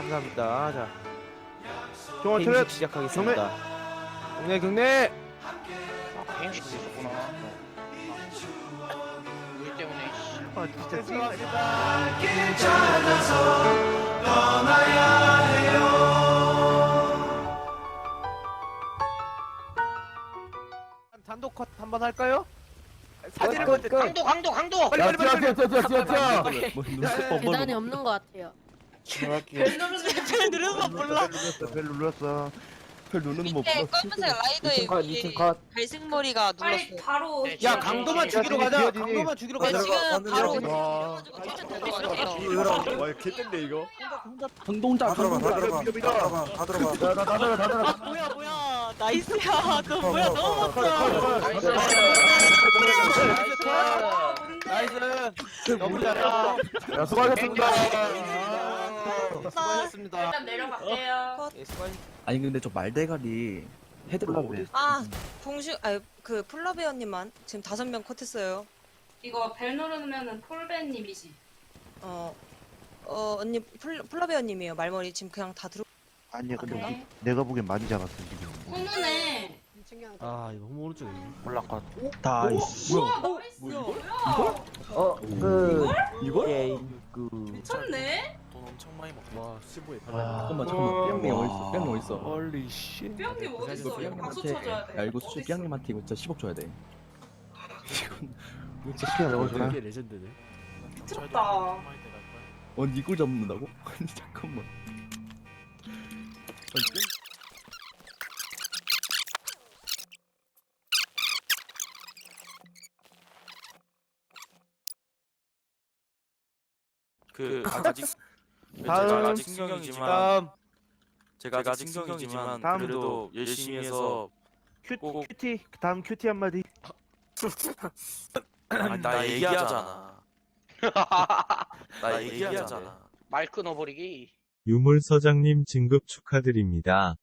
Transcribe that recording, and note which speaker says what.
Speaker 1: 감사합니다. 자,
Speaker 2: 경원
Speaker 1: 행식
Speaker 2: 차렷.
Speaker 1: 시작하겠습니다. 경례.
Speaker 3: 행식도 있었구나. 우리 때문에 씨.
Speaker 1: 단독 컷 한번 할까요? 사진을
Speaker 4: 끝.
Speaker 3: 강도.
Speaker 1: 빨리.
Speaker 5: 계단이 없는 것 같아요.
Speaker 6: 별 누르는 거 몰라.
Speaker 2: 벨 눌렀어.
Speaker 6: 밑에 검은색 라이더에 위에 갈색머리가 눌렀어.
Speaker 7: 바로
Speaker 1: 야, 강도만 죽이러 가자.
Speaker 2: 기어지니.
Speaker 1: 강도만 죽이러
Speaker 6: 네,
Speaker 1: 가자.
Speaker 6: 지금 바로
Speaker 2: 와.
Speaker 6: 뛰어가지고
Speaker 2: 와, 개뜬데 이거.
Speaker 4: 다 들어봐.
Speaker 6: 뭐야 나이스야. 너 뭐야 너무
Speaker 1: 나이스. 너무 잘했어.
Speaker 2: 야, 수고하셨습니다.
Speaker 1: 수고하셨습니다.
Speaker 7: 일단 내려갈게요.
Speaker 1: 예, 수고하셨.
Speaker 4: 아니 근데 저 말대가리 헤드가
Speaker 6: 아 동슈 그 폴라베어님만 지금 5명 컷했어요.
Speaker 7: 이거 벨 누르면은 폴베님이지.
Speaker 6: 언니 폴라베어님이에요. 말머리 지금 그냥 다 들어.
Speaker 2: 아니야, 근데
Speaker 7: 네.
Speaker 2: 내가 보기엔 많이 작았어 지금.
Speaker 7: 훈훈해.
Speaker 1: 아, 이거 너무 오른쪽에.
Speaker 4: 다
Speaker 7: 우와 나이스.
Speaker 4: 이거?
Speaker 7: 미쳤네.
Speaker 1: 와, 15에.
Speaker 4: 잠깐만 삐양님 어딨어? 삐양님 어딨어?
Speaker 1: 홀리 씨.
Speaker 7: 뿅님 어딨어? 이거 박수
Speaker 4: 삐양님한테
Speaker 7: 쳐줘야 돼.
Speaker 4: 야 이거 수지 삐양님한테 이거 진짜 10억 줘야 돼.
Speaker 2: 시간 넣어주나?
Speaker 1: 레전드네.
Speaker 7: 미쳤다.
Speaker 4: 이걸 잡는다고? 아니 잠깐만.
Speaker 8: 아직
Speaker 2: 다음.
Speaker 8: 제가 아직 신경이지만
Speaker 1: 다음
Speaker 8: 제가 아직 신경이지만
Speaker 2: 다음도
Speaker 8: 그래도 열심히 해서 꼭-
Speaker 2: 큐티. 다음 큐티 한마디.
Speaker 8: 나 얘기하잖아. 나 얘기하잖아.
Speaker 3: 말 끊어버리기.
Speaker 9: 유물서장님 진급 축하드립니다.